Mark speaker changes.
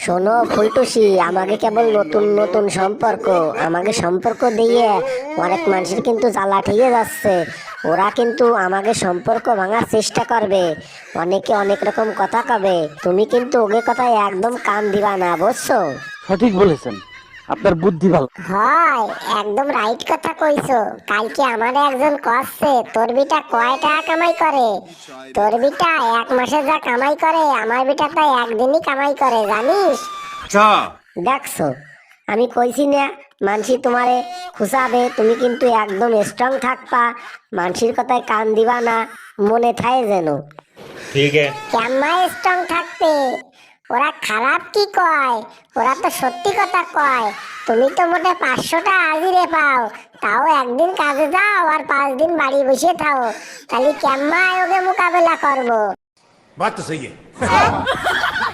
Speaker 1: শোনো ফুলটুসি, আমাকে কেবল নতুন নতুন সম্পর্ক, আমাকে সম্পর্ক দিয়ে অনেক মানুষের কিন্তু জ্বালা ঠেকে যাচ্ছে। ওরা কিন্তু আমাকে সম্পর্ক ভাঙার চেষ্টা করবে, অনেকে অনেক রকম কথা কবে। তুমি কিন্তু ওকে কথায় একদম কান দিবা না, বুঝছো?
Speaker 2: সঠিক বলেছেন, আপনার বুদ্ধি ভালো।
Speaker 1: হয়, একদম রাইট কথা কইছো। কালকে আমার একজন কচ্ছে তোর বিটা কয় টাকা কামাই করে। তোর বিটা এক মাসে যা কামাই করে আমার বিটা তাই একদিনই কামাই করে, জানিস?
Speaker 3: अच्छा।
Speaker 1: দেখছো, আমি কইছি না মানসি তোমারে খুশাবে, তুমি কিন্তু একদম স্ট্রং থাকবা, মানসির কথায় কান দিবা না, মনে থাকে যেন।
Speaker 3: ठीक है।
Speaker 1: কেমন স্ট্রং থাকতে? ওরা খারাপ কি কয়? ওরা তো সত্যি কথা কয়। তুমি তো মোটে 500টা হাজিরে পাও, তাও একদিন কাজে যাও আর 5 দিন বাড়ি বসে থাও, তাহলে কেমন ওকে মোকাবেলা করবো?
Speaker 3: बात तो सही है।